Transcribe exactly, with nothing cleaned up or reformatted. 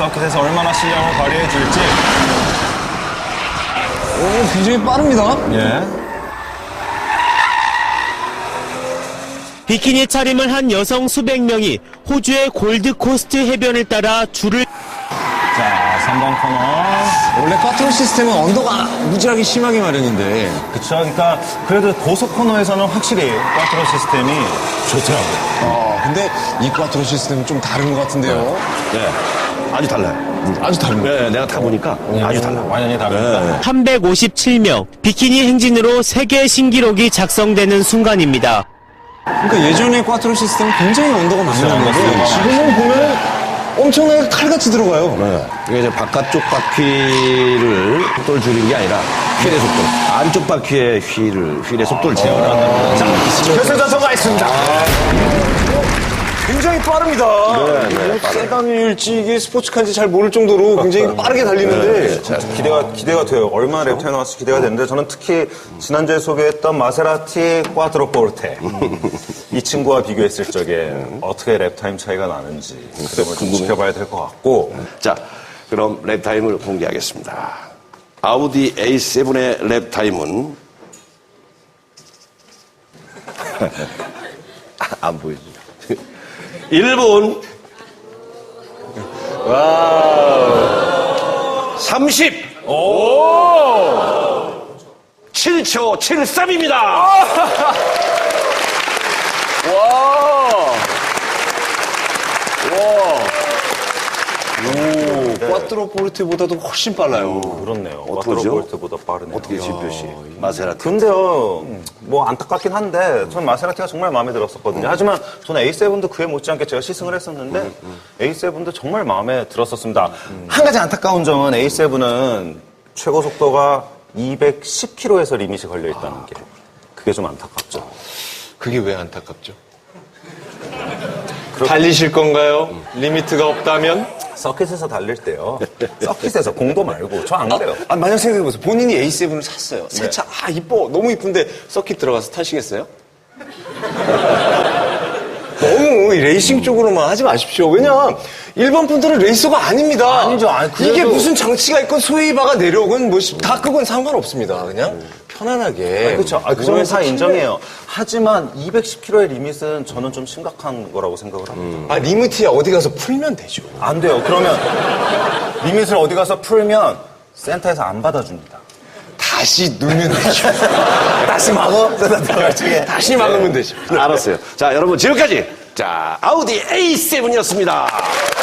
서킷에서 얼마나 실력을 발휘해 줄지. 오, 굉장히 빠릅니다. 예. 비키니 차림을 한 여성 수백 명이 호주의 골드코스트 해변을 따라 줄을 자, 삼 번 코너. 원래 꽈트로 시스템은 언더가 무지하게 심하게 마련인데. 그쵸. 그러니까 그래도 고속 코너에서는 확실히 꽈트로 시스템이 좋더라고요. 어, 근데 이 꽈트로 시스템은 좀 다른 것 같은데요. 네. 아주 달라요. 아주 다른 거. 네, 내가 타보니까 아주 달라. 완전히 다릅니다. 네. 삼백오십칠 명, 비키니 행진으로 세계 신기록이 작성되는 순간입니다. 그러니까 예전에 꽈트로 시스템은 굉장히 언더가 많이 그렇죠, 나는데 언더가 지금은 보면 엄청나게 칼같이 들어가요. 네. 이게 이제 바깥쪽 바퀴를 속도를 줄인 게 아니라 휠의 속도. 안쪽 바퀴의 휠을, 휠의 속도를 제어를 한다는 거죠. 결승전서가 있습니다. 굉장히 빠릅니다. 네, 네, 이게 세단일지 이게 스포츠카인지 잘 모를 정도로 굉장히 빠르게 달리는데 기대가, 기대가 돼요. 얼마나 랩타임 나왔을지 기대가 되는데 저는 특히 지난주에 소개했던 마세라티 꽈트로 포르테. 이 친구와 비교했을 적에 어떻게 랩타임 차이가 나는지 그 점을 좀 지켜봐야 될 것 같고. 자, 그럼 랩타임을 공개하겠습니다. 아우디 에이 세븐의 랩타임은 안 보이죠. 일 분 와우 삼십 오 칠 초 칠십삼입니다. 꽈트로 포르테보다도 훨씬 빨라요. 그렇네요. 어떡하죠? 꽈트로 포르테보다 빠르네요. 어떻게 지표시 마세라티. 근데요, 뭐 안타깝긴 한데, 전 마세라티가 정말 마음에 들었었거든요. 하지만 저는 에이 세븐도 그에 못지않게 제가 시승을 했었는데, 음, 음. 에이 세븐도 정말 마음에 들었었습니다. 한 가지 안타까운 점은 에이 세븐은 최고 속도가 이백십 킬로미터에서 리밋이 걸려 있다는 게, 그게 좀 안타깝죠. 그게 왜 안타깝죠? 달리실 건가요? 리미트가 없다면? 서킷에서 달릴 때요. 서킷에서 공도 말고, 저 안 그래요. 아, 만약 생각해보세요. 본인이 에이 세븐을 샀어요. 새 차, 아, 이뻐. 너무 이쁜데 서킷 들어가서 타시겠어요? 너무 레이싱 쪽으로만 하지 마십시오. 왜냐, 일반 분들은 레이서가 아닙니다. 아니죠. 아니, 그래도- 이게 무슨 장치가 있건 소위바가 내려오건 뭐, 다 그건 상관없습니다. 그냥 편안하게. 그렇죠. 아, 그 점은 다 인정해요. 하지만 이백십 킬로미터의 리밋은 저는 좀 심각한 거라고 생각을 합니다. 아, 리미트야 어디 가서 풀면 되죠. 안 돼요. 그러면 리밋을 어디 가서 풀면 센터에서 안 받아줍니다. 다시 누르면 되죠. 다시 막어? 다시 막으면 되죠. 알았어요. 자, 여러분 지금까지 자 아우디 에이 세븐이었습니다.